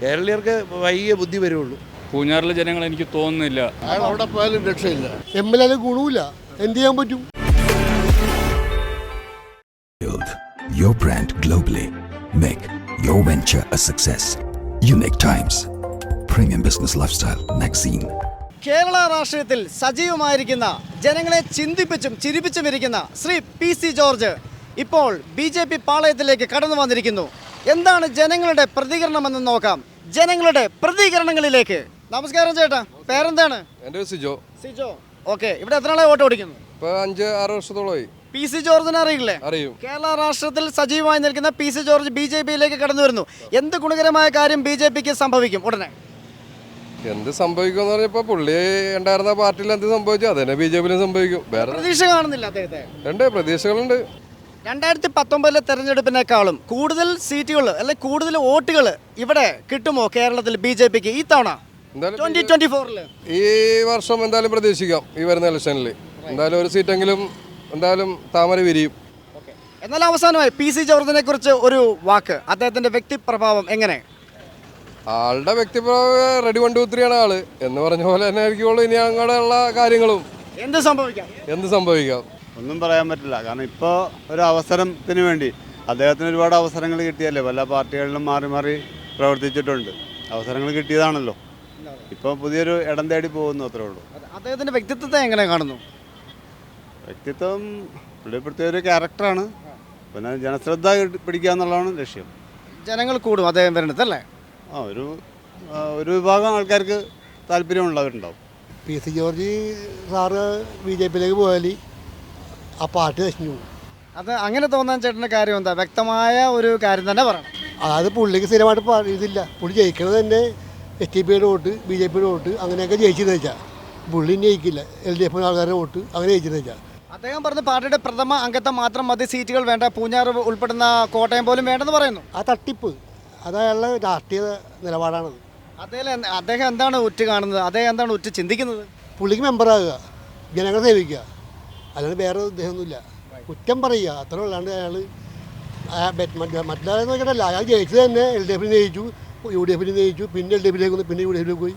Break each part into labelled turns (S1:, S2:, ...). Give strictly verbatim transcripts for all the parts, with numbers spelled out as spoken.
S1: കേരളീയർക്ക് വൈകിയ ബുദ്ധി വരുള്ളൂ.
S2: പൂഞ്ഞാറിലെ ജനങ്ങൾ എനിക്ക് തോന്നുന്നില്ല.
S3: അയാൾ അവിടെ പോയാലും രക്ഷയില്ല. എം എൽ എ ഗുണമില്ല, എന്ത് ചെയ്യാൻ പറ്റും?
S4: Build your brand globally. Make your venture a success. Unique Times, Premium Business Lifestyle Magazine.
S5: Kerala രാഷ്ട്രീയത്തിൽ സജീവമായിരിക്കുന്ന, ജനങ്ങളെ ചിന്തിപ്പിച്ചും ചിരിപ്പിച്ചും ഇരിക്കുന്ന ശ്രീ പി സി ജോർജ് ഇപ്പോൾ ബി ജെ പി പാളയത്തിലേക്ക് കടന്നു വന്നിരിക്കുന്നു. എന്താണ് ജനങ്ങളുടെ പ്രതികരണമെന്ന് നോക്കാം. ജനങ്ങളുടെ പ്രതികരണങ്ങളിലേക്ക്. നമസ്കാരം ചേട്ടാ, പേരെന്താണ്?
S6: എൻ്റെ സിജോ.
S5: സിജോ, ഓക്കെ. ഇവിടെ എത്ര നാളെ വോട്ട് ഓടിക്കുന്നു?
S6: ഇപ്പോൾ അഞ്ച് ആറ് വർഷത്തോളമായി.
S5: പി സി ജോർജിനെ അറിയില്ലേ?
S6: അറിയും.
S5: കേരള രാഷ്ട്രത്തിൽ സജീവമായി നിൽക്കുന്ന P C George B J പിയിലേക്ക് കടന്നു വരുന്നു. എന്ത് ഗുണകരമായ കാര്യം ബി ജെ പിക്ക് സംഭവിക്കും ഉടനെ?
S6: എന്ത് സംഭവിക്കുമെന്ന് പറഞ്ഞപ്പോൾ പുള്ളി ഉണ്ടായിരുന്ന പാർട്ടിയിൽ എന്ത് സംഭവിച്ചു അതന്നെ ബി ജെ പിയിലും സംഭവിക്കും. വേറെ
S5: പ്രതീക്ഷ കാണുന്നില്ല അദ്ദേഹത്തെ?
S6: ഉണ്ട്, പ്രതീക്ഷകളുണ്ട്.
S5: രണ്ടായിരത്തി പത്തൊമ്പതിലെ തെരഞ്ഞെടുപ്പിനേക്കാളും കൂടുതൽ സീറ്റുകൾ അല്ലെ കൂടുതൽ വോട്ടുകൾ ഇവിടെ കിട്ടുമോ കേരളത്തിൽ ബി ജെ പിക്ക് ഈ തവണ ട്വന്റി ട്വന്റി ഫോറില്?
S6: ഈ വർഷം എന്തായാലും പ്രതീക്ഷിക്കാം. ഈ വരുന്ന ഇലക്ഷനിൽ എന്തായാലും ഒരു സീറ്റെങ്കിലും എന്തായാലും താമര വിരിയും.
S5: എന്നാൽ അവസാനമായി പി സി ജോർജിനെ കുറിച്ച് ഒരു വാക്ക്. അദ്ദേഹത്തിന്റെ വ്യക്തിപ്രഭാവം എങ്ങനെ?
S6: ആളുടെ വ്യക്തിപ്രഭാവം റെഡി വൺ ടു ത്രീ ആണ് ആള് എന്ന് പറഞ്ഞ പോലെ തന്നെ ആയിരിക്കുള്ളൂ ഇനി അങ്ങനെയുള്ള കാര്യങ്ങളും.
S5: എന്ത് സംഭവിക്കാം?
S6: എന്ത് സംഭവിക്കാം
S7: ഒന്നും പറയാൻ പറ്റില്ല. കാരണം ഇപ്പോൾ ഒരു അവസരത്തിന് വേണ്ടി അദ്ദേഹത്തിന് ഒരുപാട് അവസരങ്ങൾ കിട്ടിയല്ലേ, പല പാർട്ടികളിലും മാറി മാറി പ്രവർത്തിച്ചിട്ടുണ്ട്. അവസരങ്ങൾ കിട്ടിയതാണല്ലോ. ഇപ്പോൾ പുതിയൊരു ഇടം തേടി പോകുന്നു, അത്രേ ഉള്ളൂ.
S5: അദ്ദേഹത്തിന്റെ വ്യക്തിത്വത്തെ എങ്ങനെ കാണുന്നു?
S7: വ്യക്തിത്വം പുള്ളി പ്രത്യേക ഒരു ക്യാരക്ടറാണ്. പിന്നെ ജനശ്രദ്ധ പിടിക്കുക എന്നുള്ളതാണ് ലക്ഷ്യം.
S5: ജനങ്ങൾ കൂടും അദ്ദേഹം വരുന്നത് അല്ലേ?
S7: ആ ഒരു ഒരു വിഭാഗം ആൾക്കാർക്ക് താല്പര്യമുള്ളവരുണ്ടാവും.
S3: P C George sir B J പിയിലേക്ക് പോയാൽ ആ പാർട്ടി നശിഞ്ഞു പോകും.
S5: അത് അങ്ങനെ തോന്നാൻ ചേട്ടൻ്റെ കാര്യം എന്താ? വ്യക്തമായ ഒരു കാര്യം തന്നെ പറയണം.
S3: അതായത് പുള്ളിക്ക് സ്ഥിരമായിട്ട് ഇതില്ല. പുള്ളി ജയിക്കണത് തന്നെ എസ് ടി പിയുടെ വോട്ട്, ബി ജെ പിയുടെ വോട്ട്, അങ്ങനെയൊക്കെ ജയിച്ചെന്ന് വെച്ചാൽ പുള്ളി ജയിക്കില്ല. എൽ ഡി എഫ് ആൾക്കാരുടെ വോട്ട് അങ്ങനെ ജയിച്ചെന്ന് വെച്ചാൽ.
S5: അദ്ദേഹം പറഞ്ഞ പാർട്ടിയുടെ പ്രഥമ അംഗത്വം മാത്രം മതി, സീറ്റുകൾ വേണ്ട, പൂഞ്ഞാർ ഉൾപ്പെടുന്ന കോട്ടയം പോലും വേണ്ടെന്ന് പറയുന്നു.
S3: ആ തട്ടിപ്പ് അത് അയാളുടെ രാഷ്ട്രീയ നിലപാടാണത്.
S5: അദ്ദേഹം അദ്ദേഹം എന്താണ് ഉറ്റ് കാണുന്നത്? അദ്ദേഹം എന്താണ് ഉറ്റ് ചിന്തിക്കുന്നത്?
S3: പുള്ളിക്ക് മെമ്പറാകുക, ജനങ്ങളെ സേവിക്കുക, അല്ലാണ്ട് വേറെ ഉദ്ദേശമൊന്നുമില്ല. കുറ്റം പറയുക അത്ര അല്ലാണ്ട് അയാൾ മറ്റുള്ളവരെന്ന് വെച്ചിട്ടല്ല. അയാൾ ജയിച്ചത് തന്നെ എൽ ഡി എഫിന് ജയിച്ചു, യു ഡി എഫിന് ജയിച്ചു, പിന്നെ എൽ ഡി എഫിലേക്ക് വന്നു, പിന്നെ യു ഡി എഫിലേക്ക് പോയി.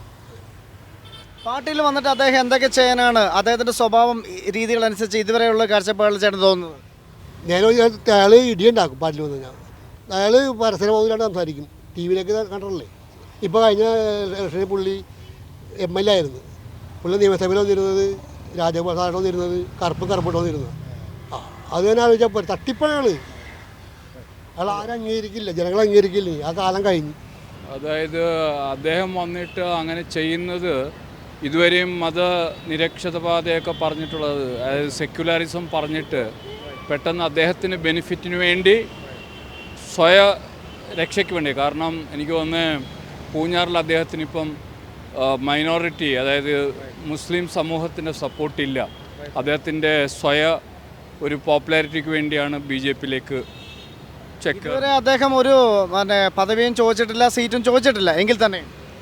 S5: പാർട്ടിയിൽ വന്നിട്ട് അദ്ദേഹം എന്തൊക്കെ ചെയ്യാനാണ് അദ്ദേഹത്തിൻ്റെ സ്വഭാവം രീതികളനുസരിച്ച് ഇതുവരെയുള്ള കാഴ്ചപ്പാടിൽ ചേട്ടൻ തോന്നുന്നത്?
S3: ഞാൻ അയാൾ ഇടിയുണ്ടാക്കും പാർട്ടിയിൽ വന്നു കഴിഞ്ഞാൽ. അയാൾ പരസ്യബോധമില്ലാണ്ട് സംസാരിക്കും. ടി വിയിലേക്ക് കണ്ടല്ലേ. ഇപ്പോൾ കഴിഞ്ഞ ഇലക്ഷനിൽ പുള്ളി എം എൽ എ ആയിരുന്നു. പുള്ളി നിയമസഭയിൽ വന്നിരുന്നത് രാജഗോപാലാണ് വന്നിരുന്നത്, കറുപ്പ് കറുപ്പിട്ട് വന്നിരുന്നത്. ആ അത് തന്നെ ആലോചിച്ചാൽ തട്ടിപ്പാണ് അയാൾ. അയാൾ ആരും അംഗീകരിക്കില്ല, ജനങ്ങൾ അംഗീകരിക്കില്ല. ആ കാലം കഴിഞ്ഞു.
S2: അതായത് അദ്ദേഹം വന്നിട്ട് അങ്ങനെ ചെയ്യുന്നത് ഇതുവരെയും മതനിരക്ഷതപാതയൊക്കെ പറഞ്ഞിട്ടുള്ളത്, അതായത് സെക്യുലറിസം പറഞ്ഞിട്ട് പെട്ടെന്ന് അദ്ദേഹത്തിന് ബെനിഫിറ്റിന് വേണ്ടി സ്വയ രക്ഷയ്ക്ക് വേണ്ടി. കാരണം എനിക്ക് തോന്നുന്നത് പൂഞ്ഞാറിൽ അദ്ദേഹത്തിന് ഇപ്പം മൈനോറിറ്റി, അതായത് മുസ്ലിം സമൂഹത്തിൻ്റെ സപ്പോർട്ടില്ല. അദ്ദേഹത്തിൻ്റെ സ്വയ ഒരു പോപ്പുലാരിറ്റിക്ക് വേണ്ടിയാണ് ബി ജെ പിയിലേക്ക് ചെക്ക്.
S5: ഇതുവരെ അദ്ദേഹം ഒരു പിന്നെ പദവിയും ചോദിച്ചിട്ടില്ല, സീറ്റും ചോദിച്ചിട്ടില്ല. എങ്കിൽ തന്നെ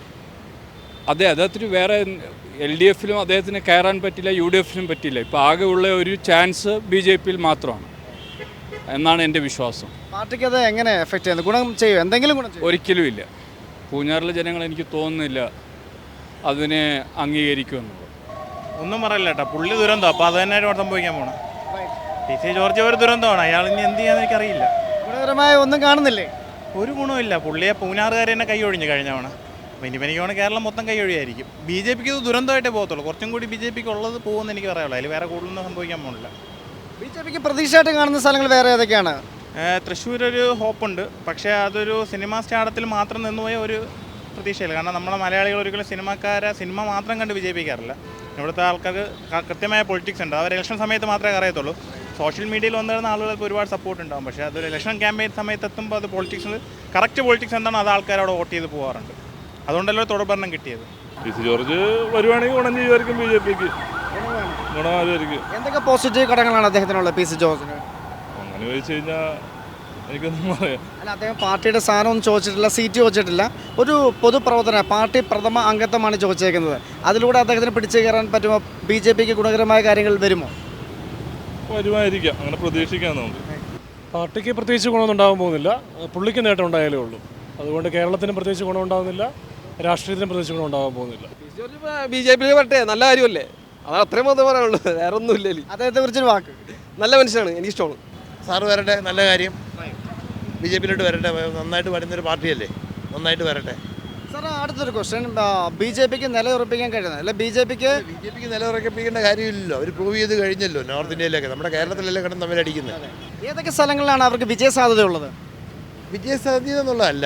S2: അതെ, അദ്ദേഹത്തിന് വേറെ എൽ ഡി എഫിലും അദ്ദേഹത്തിന് കയറാൻ പറ്റില്ല, യു ഡി എഫിലും പറ്റില്ല. ഇപ്പോൾ ആകെ ഉള്ള ഒരു ചാൻസ് ബി ജെ പിയിൽ മാത്രമാണ് എന്നാണ് എൻ്റെ വിശ്വാസം.
S5: പാർട്ടിക്ക് അത് എങ്ങനെ എഫക്റ്റ് ചെയ്യുന്നത്? ഗുണം ചെയ്യും? എന്തെങ്കിലും ഗുണം ചെയ്യും?
S2: ഒരിക്കലും ഇല്ല. പൂഞ്ഞാറിലെ ജനങ്ങൾ എനിക്ക് തോന്നുന്നില്ല അതിനെ അംഗീകരിക്കുമെന്നുള്ളത്.
S8: ഒന്നും പറയില്ല കേട്ടോ, പുള്ളി ദുരന്തം. അപ്പോൾ അത് തന്നെ സംഭവിക്കാൻ പോകണം. പി സി ജോർജ് ഒരു ദുരന്തമാണ്. അയാൾ ഇനി എന്ത് ചെയ്യാന്ന് എനിക്കറിയില്ല.
S5: ഗുണകരമായ ഒന്നും കാണുന്നില്ലേ?
S8: ഒരു ഗുണമില്ല. പുള്ളിയെ പൂഞ്ഞാറുകാർ തന്നെ കൈ ഒഴിഞ്ഞു കഴിഞ്ഞ തവണ. അപ്പോൾ ഇനി എനിക്ക് കേരളം മൊത്തം കൈ ഒഴിയായിരിക്കും. ബി ജെ പിക്ക് ഇത് ദുരന്തമായിട്ടേ പോകത്തുള്ളൂ. കുറച്ചും കൂടി ബി ജെ പിക്ക് ഉള്ളത് പോകുമെന്ന് എനിക്ക് പറയാനുള്ളൂ. അതിൽ വേറെ കൂടുതലൊന്നും സംഭവിക്കാൻ പോകുന്നില്ല.
S5: ബി ജെ പിക്ക് പ്രതീക്ഷയായിട്ട് കാണുന്ന സ്ഥലങ്ങൾ വേറെ ഏതൊക്കെയാണ്?
S8: തൃശ്ശൂർ ഒരു ഹോപ്പുണ്ട്, പക്ഷേ അതൊരു സിനിമാ സ്റ്റാർഡത്തിൽ മാത്രം നിന്നുപോയ ഒരു പ്രതീക്ഷയില്ല. കാരണം നമ്മളെ മലയാളികൾ ഒരിക്കലും സിനിമാക്കാരെ സിനിമ മാത്രം കണ്ട് വിജയിപ്പിക്കാറില്ല. ഇവിടുത്തെ ആൾക്കാർക്ക് കൃത്യമായ പൊളിറ്റിക്സ് ഉണ്ട്. അവർ ഇലക്ഷൻ സമയത്ത് മാത്രമേ അറിയത്തുള്ളൂ. സോഷ്യൽ മീഡിയയിൽ വന്നിരുന്ന ആളുകൾക്ക് ഒരുപാട് സപ്പോർട്ട് ഉണ്ടാകും. പക്ഷേ അതൊരു ഇലക്ഷൻ ക്യാമ്പയിൻ സമയത്ത് എത്തുമ്പോൾ അത് പൊളിറ്റിക്സ് കറക്റ്റ് പൊളിറ്റിക്സ് എന്താണോ അത് ആൾക്കാരവിടെ വോട്ട് ചെയ്ത് പോകാറുണ്ട്. അതുകൊണ്ടല്ലോ തുടർഭരണം കിട്ടിയത്.
S9: പി സി ജോർജ് വരുവാണെങ്കിൽ ഗുണം ചെയ്യുമായിരിക്കും, ബി ജെ പിക്ക് ഗുണമായിരിക്കും.
S5: എന്തൊക്കെ പോസിറ്റീവ് ഘടകങ്ങളാണ് അദ്ദേഹത്തിനുള്ളത് പി സി ജോർജിന്?
S9: അങ്ങനെ ചോദിച്ചു കഴിഞ്ഞാൽ എനിക്കൊന്നും പറയാം.
S5: അല്ല, അദ്ദേഹം പാർട്ടിയുടെ സ്ഥാനമൊന്നും ചോദിച്ചിട്ടില്ല, സീറ്റ് ചോദിച്ചിട്ടില്ല. ഒരു പൊതുപ്രവർത്തന പാർട്ടി പ്രഥമ അംഗത്വമാണ് ചോദിച്ചേക്കുന്നത്. അതിലൂടെ അദ്ദേഹത്തിന് പിടിച്ചു കയറാൻ പറ്റുമോ? ബി ജെ പിക്ക് ഗുണകരമായ കാര്യങ്ങൾ വരുമോ?
S9: വരുമായിരിക്കാം, അങ്ങനെ പ്രതീക്ഷിക്കാൻ നമുക്ക്.
S10: പാർട്ടിക്ക് പ്രത്യേകിച്ച് ഗുണമൊന്നും ഉണ്ടാകാൻ പോകുന്നില്ല. പുള്ളിക്ക് നേട്ടം ഉണ്ടായാലേ ഉള്ളൂ.
S9: അതുകൊണ്ട് കേരളത്തിന് പ്രത്യേകിച്ച് ഗുണമുണ്ടാകുന്നില്ല, രാഷ്ട്രീയത്തിന് പ്രത്യേകിച്ച് ഗുണമുണ്ടാകാൻ പോകുന്നില്ല.
S6: ബി ജെ പിയിൽ വരട്ടെ, നല്ല കാര്യമല്ലേ, അതാണ് അത്രയും മാത്രമേ പറയാനുള്ളൂ, വേറെ ഒന്നും ഇല്ലല്ലേ.
S5: അദ്ദേഹത്തെ കുറിച്ചൊരു വാക്ക്.
S6: നല്ല മനുഷ്യനാണ്, എനിക്കിഷ്ടമാണ്.
S1: സാറ് വരട്ടെ, നല്ല കാര്യം. ബി ജെ പിയിലോട്ട് വരട്ടെ, നന്നായിട്ട് വരുന്നൊരു പാർട്ടിയല്ലേ, നന്നായിട്ട് വരട്ടെ.
S5: സാർ അടുത്തൊരു ക്വസ്റ്റ്യൻ, ബി ജെ പിക്ക് നിലയുറപ്പിക്കാൻ കഴിയുന്നത് അല്ല ബി ജെ പിക്ക്
S1: ബി ജെ പിക്ക് നിലയുറപ്പിക്കേണ്ട കാര്യമില്ലല്ലോ, അവർ പ്രൂവ് ചെയ്ത് കഴിഞ്ഞല്ലോ. നോർത്ത് ഇന്ത്യയിലൊക്കെ, നമ്മുടെ കേരളത്തിലല്ലേ കിടന്ന് തമ്മിലടിക്കുന്നത്.
S5: ഏതൊക്കെ സ്ഥലങ്ങളിലാണ് അവർക്ക് വിജയ സാധ്യതയുള്ളത്?
S1: വിജയ സാധ്യത എന്നുള്ളതല്ല,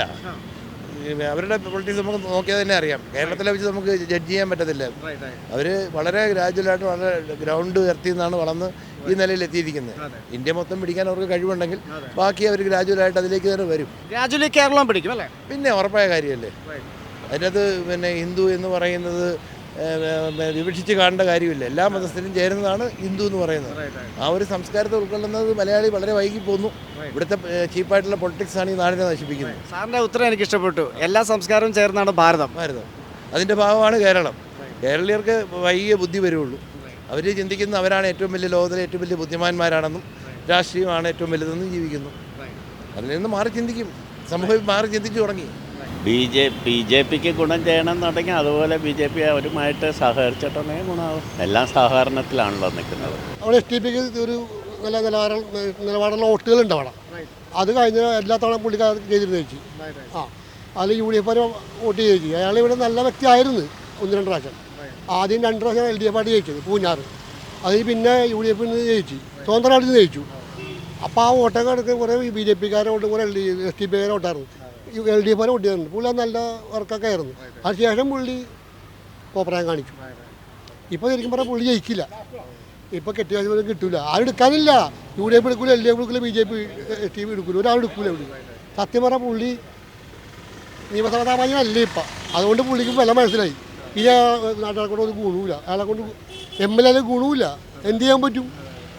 S1: അവരുടെ പൊളിറ്റിക്സ് നമുക്ക് നോക്കിയാൽ തന്നെ അറിയാം. കേരളത്തിലെ വെച്ച് നമുക്ക് ജഡ്ജ് ചെയ്യാൻ പറ്റത്തില്ല. അവർ വളരെ ഗ്രാജുവലായിട്ട് വളരെ ഗ്രൗണ്ട് ഉയർത്തി നിന്നാണ് വളർന്ന് ഈ നിലയിൽ എത്തിയിരിക്കുന്നത്. ഇന്ത്യ മൊത്തം പിടിക്കാൻ അവർക്ക് കഴിവുണ്ടെങ്കിൽ ബാക്കി അവർ ഗ്രാജുവലായിട്ട് അതിലേക്ക് തന്നെ വരും.
S5: ഗ്രാജുവലി കേരളം പിടിക്കും അല്ലേ?
S1: പിന്നെ ഉറപ്പായ കാര്യമല്ലേ. അതിനകത്ത് പിന്നെ ഹിന്ദു എന്ന് പറയുന്നത് വിവക്ഷിച്ച് കാണേണ്ട കാര്യമില്ല. എല്ലാ മതസ്ഥരും ചേരുന്നതാണ് ഹിന്ദു എന്ന് പറയുന്നത്. ആ ഒരു സംസ്കാരത്തെ ഉൾക്കൊള്ളുന്നത് മലയാളി വളരെ വൈകി പോകുന്നു. ഇവിടുത്തെ ചീപ്പായിട്ടുള്ള പൊളിറ്റിക്സ് ആണ് ഈ നാടിനെ നശിപ്പിക്കുന്നത്.
S5: സാറിൻ്റെ ഉത്തരം എനിക്ക് ഇഷ്ടപ്പെട്ടു. എല്ലാ സംസ്കാരവും ചേർന്നാണ് ഭാരതം.
S1: ഭാരതം അതിൻ്റെ ഭാഗമാണ് കേരളം. കേരളീയർക്ക് വൈകിയ ബുദ്ധി വരുള്ളൂ. അവർ ചിന്തിക്കുന്ന അവരാണ് ഏറ്റവും വലിയ ലോകത്തിലെ ഏറ്റവും വലിയ ബുദ്ധിമാന്മാരാണെന്നും രാഷ്ട്രീയമാണ് ഏറ്റവും വലുതെന്നും ജീവിക്കുന്നു. അതിൽ നിന്ന് മാറി ചിന്തിക്കും, സമൂഹം മാറി ചിന്തിച്ചു തുടങ്ങി.
S10: ബി ജെ ബി ജെ പിക്ക് ഗുണം ചെയ്യണമെന്നുണ്ടെങ്കിൽ അതുപോലെ ബി ജെ പി അവരുമായിട്ട് സഹകരിച്ചിട്ടുണ്ടെങ്കിൽ ഗുണമാവും. എല്ലാം സഹകരണത്തിലാണല്ലോ നിൽക്കുന്നത്.
S3: അവിടെ എസ് ടി പിക്ക് ഒരു നല്ല നിലവാരം നിലവാരമുള്ള വോട്ടുകളുണ്ട് അവിടെ. അത് കഴിഞ്ഞ എല്ലാ തവണ പുള്ളിക്കാർ ചെയ്തിരുന്നു ചേച്ചി. ആ അതിൽ യു ഡി എഫ് വോട്ട് ചെയ്തു. അയാൾ ഇവിടെ നല്ല വ്യക്തിയായിരുന്നു ഒന്ന് രണ്ട് പ്രാവശ്യം. ആദ്യം രണ്ട് പ്രാവശ്യം എൽ ഡി എഫ് ആയിട്ട് ജയിച്ചത് പൂഞ്ഞാറ്. അതിൽ പിന്നെ യു ഡി എഫിൽ നിന്ന് ജയിച്ചു, സ്വതന്ത്രമായിട്ട് നിന്ന് ജയിച്ചു. അപ്പോൾ ആ വോട്ടൊക്കെ എടുക്കുന്ന കുറേ ബി ജെ പിക്കാരെ വോട്ട്, കുറേ എൽ ഡി എസ് ടി പിക്കാരെ വോട്ടായിരുന്നു. എൽ ഡി എഫിനെ വോട്ട് ചെയ്തിട്ടുണ്ട്. പുള്ളി നല്ല വർക്കൊക്കെ ആയിരുന്നു. അതിനുശേഷം പുള്ളി കോപ്രായം കാണിച്ചു. ഇപ്പോൾ ശരിക്കും പറഞ്ഞാൽ പുള്ളി ജയിക്കില്ല. ഇപ്പോൾ കെട്ടിയ കിട്ടില്ല, ആരും എടുക്കാനില്ല. യു ഡി എഫ് എടുക്കില്ല, എൽ ഡി എഫ് എടുക്കില്ല, B J P S T P എടുക്കില്ല, ഒരാൾ എടുക്കില്ല. ഇവിടെ സത്യം പറഞ്ഞാൽ പുള്ളി നിയമസഭാ സാമാന്യമല്ല ഇപ്പം. അതുകൊണ്ട് പുള്ളിക്ക് വില മനസ്സിലായി. ഇനി നാട്ടുകാരെ കൊണ്ട് ഒരു ഗുണവുമില്ല, അയാളെ കൊണ്ട് എം എൽ എ ഗുണവുമില്ല. എന്ത് ചെയ്യാൻ പറ്റും?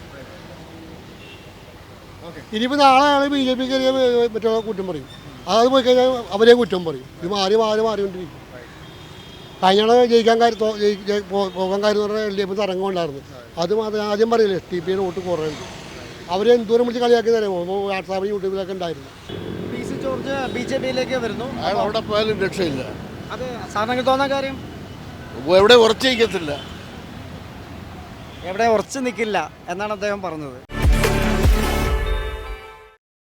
S3: ഇനിയിപ്പോൾ നാളെ അയാൾ ബി ജെ പിക്ക് മറ്റുള്ള കുറ്റം പറയും. അത് പോയി കഴിഞ്ഞാൽ അവരെയും കുറ്റം പറയും. ഇത് മാറി മാറി മാറിക്കൊണ്ടിരിക്കും. കഴിഞ്ഞാൽ ജയിക്കാൻ കാര്യം പോകാൻ കാര്യം എന്ന് പറഞ്ഞാൽ എൽ ഡി എഫ് തരംഗമുണ്ടായിരുന്നു. അത് മാത്രം ആദ്യം പറയില്ലേ എസ് ടി പിയുടെ വോട്ട് കുറയുണ്ട്. അവരെ എന്തോരം വിളിച്ച് കളിയാക്കി തരുമോ? വാട്സാപ്പിൽ യൂട്യൂബിലൊക്കെ ഉണ്ടായിരുന്നു.
S5: P C George B J പിയിലേക്ക് വരുന്നു.
S1: അയാൾ അവിടെ പോയാലും രക്ഷയില്ല.
S5: അത് സാറിന് തോന്നാൻ കാര്യം
S1: എവിടെ ഉറച്ചു നിൽക്കത്തില്ല.
S5: എവിടെ ഉറച്ചു നിൽക്കില്ല എന്നാണ് അദ്ദേഹം പറഞ്ഞത്.